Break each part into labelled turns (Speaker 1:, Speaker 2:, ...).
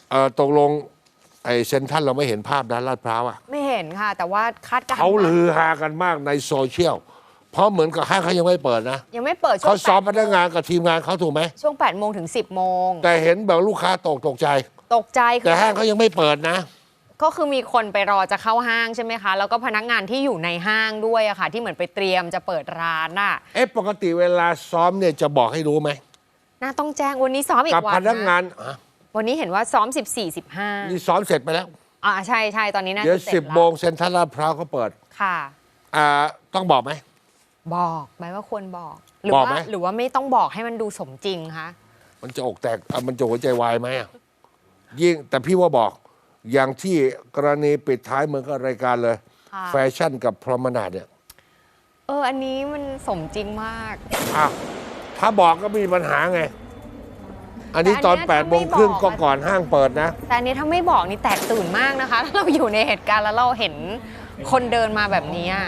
Speaker 1: ตกลงไอ้เซ็นทรัลเราไม่เห็นภาพนะลาดพร้าวอะ
Speaker 2: ไม่เห็นค่ะ แต่ว่าคาดการณ์
Speaker 1: เขาลือฮากันมากในโซเชียลเพราะเหมือนกับห้างเขายังไม่เปิดนะ
Speaker 2: ยังไม่เปิดช่ว
Speaker 1: เขา
Speaker 2: ง
Speaker 1: ซ้อมพนักงานกับทีมงานเขาถูกไหม
Speaker 2: ช่วง8 โมงถึง 10 โมง
Speaker 1: แต่เห็นแบบลูกค้าตกใจ
Speaker 2: ตกใจคื
Speaker 1: แต่
Speaker 2: อ
Speaker 1: ห้างเขายังไม่เปิดนะ
Speaker 2: ก็คือมีคนไปรอจะเข้าห้างใช่ไหมคะ แล้วก็พนักงานที่อยู่ในห้างด้วยอะค่ะ ที่เหมือนไปเตรียมจะเปิดร้านน่ะ
Speaker 1: ปกติเวลาซ้อมเนี่ยจะบอกให้รู้ไหม
Speaker 2: น่าต้องแจ้งวันนี้ซ้อมอี
Speaker 1: กับ
Speaker 2: กวั
Speaker 1: พ
Speaker 2: น
Speaker 1: นักงา
Speaker 2: นะ
Speaker 1: น
Speaker 2: วันนี้เห็นว่าซ้อม 14-15
Speaker 1: นี่ซ้อมเสร็จไปแล้ว
Speaker 2: ใช่ใช่ตอนนี้น่า
Speaker 1: เดี๋ยว
Speaker 2: จะเสร็จ
Speaker 1: 10
Speaker 2: แล้ว
Speaker 1: โมงเซ็นทรัลลาดพร้าวเขาเปิด
Speaker 2: ค่ะ
Speaker 1: ต้องบอกไหม
Speaker 2: บอกไหมว่าควรบอกหรือ
Speaker 1: บอก
Speaker 2: ว่า
Speaker 1: ไหม
Speaker 2: หรือว่าไม่ต้องบอกให้มันดูสมจริงคะ
Speaker 1: มันจะอกแตกมันจะหัวใจวายไหมอะยิ่งแต่พี่ว่าบอกอย่างที่กรณีปิดท้ายเหมือนกับรายการเลย
Speaker 2: ค่ะ
Speaker 1: แฟชั่นกับพรอมนาดเนี่ย
Speaker 2: อันนี้มันสมจริงมาก
Speaker 1: อ้าวถ้าบอกก็ไม่มีปัญหาไง อันนี้ตอน
Speaker 2: แต่อันเนี้ย
Speaker 1: 8 โมงครึ่ง
Speaker 2: ถ้าไม่
Speaker 1: ก็
Speaker 2: บอก
Speaker 1: ก่อนห้างเปิดนะ
Speaker 2: แต่อันนี้ถ้าไม่บอกนี่แตกตื่นมากนะคะ ถ้าเราอยู่ในเหตุการณ์แล้วเราเห็นคนเดินมาแบบนี้อะ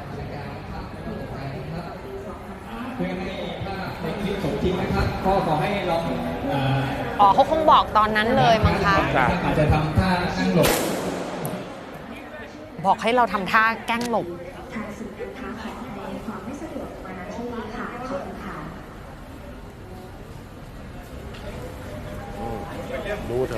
Speaker 3: เพื่อให้ภาพในคลิปสมจริงนะครับก็ขอให้ลอง
Speaker 2: เขาคงบอกตอนนั้นเลยมั้งคะ
Speaker 1: ครับ
Speaker 3: อาจจะทำท่านั่งหลบ
Speaker 2: บอกให้เราทำท่าแกล้งหลบ
Speaker 4: ทางศูนย์การค้าขออภัยความไม่สะดวกมาณที่นี้ค่ะขอบคุณค่ะ
Speaker 1: ดูเถอะ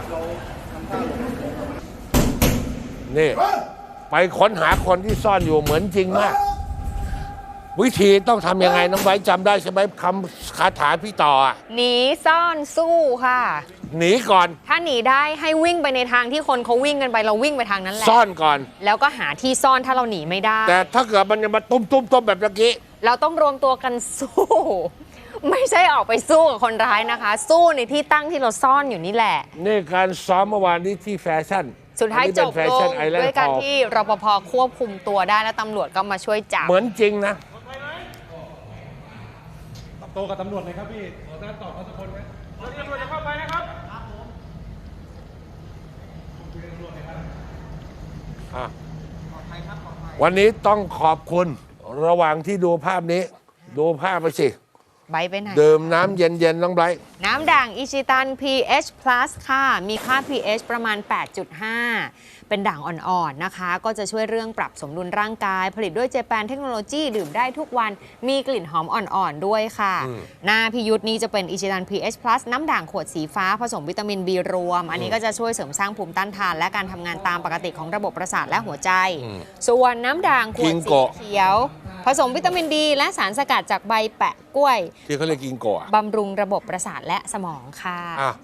Speaker 1: นี่ ไปค้นหาคนที่ซ่อนอยู่เหมือนจริงมาก วิธีต้องทำยังไงน้องไว้จำได้ใช่ไหมคำคาถาพี่ต่ออะ
Speaker 2: หนีซ่อนสู้ค่ะ
Speaker 1: หนีก่อน
Speaker 2: ถ้าหนีได้ให้วิ่งไปในทางที่คนเขาวิ่งกันไปเราวิ่งไปทางนั้นแหละ
Speaker 1: ซ่อนก่อน
Speaker 2: แล้วก็หาที่ซ่อนถ้าเราหนีไม่ได้
Speaker 1: แต่ถ้าเกิดมันจะมาตุ้มแบบเมื่อกี้
Speaker 2: เราต้องรวมตัวกันสู้ ไม่ใช่ออกไปสู้กับคนร้ายนะคะ สู้ในที่ตั้งที่เราซ่อนอยู่นี่แหละ
Speaker 1: นี่การซ้อมเมื่อวานนี้ที่แฟชั่น
Speaker 2: สุดท้าย
Speaker 1: อันนี้
Speaker 2: จ
Speaker 1: เป็น
Speaker 2: บ
Speaker 1: แฟ
Speaker 2: ล
Speaker 1: ชั่น
Speaker 2: ง
Speaker 1: ไอแลน
Speaker 2: ด้วย
Speaker 1: ด์
Speaker 2: การ
Speaker 1: ฮอลล์
Speaker 2: ที่รปภควบคุมตัวได้และตำรวจก็มาช่วยจับ
Speaker 1: เหมือนจริงนะ
Speaker 5: ตอบโต้กับตำรวจเลยครับพี่ขอท่านตอบเขาสักคนครับตำรวจจะเข้าไปนะครับ
Speaker 1: วันนี้ต้องขอบคุณระหว่างที่ดูภาพนี้ ดูภาพไปสิ
Speaker 2: ใบไปไหน
Speaker 1: ดื่มน้ำเย็นๆน้องไบรท์
Speaker 2: น้ำด่างอิชิตัน pH plus ค่ะ มีค่า pH ประมาณ 8.5 เป็นด่างอ่อนๆนะคะ ก็จะช่วยเรื่องปรับสมดุลร่างกาย ผลิตด้วยเจแปนเทคโนโลยีดื่มได้ทุกวัน มีกลิ่นหอมอ่อนๆด้วยค่ะ หน้าพิยุทธ์นี้จะเป็นอิชิตัน pH plus น้ำด่างขวดสีฟ้าผสมวิตามิน B รวม อันนี้ก็จะช่วยเสริมสร้างภูมิต้านทาน และการทำงานตามปกติของระบบประสาทและหัวใจ ส่วนน้ำด่างขวดสีเขียว ผสมวิตามินดีและสารสกัดจากใบแปะกล้วย
Speaker 1: ที่เขาเรียกกิงโกะ
Speaker 2: บำรุงระบบประสาทและสมองค่ะ
Speaker 1: อ่ะ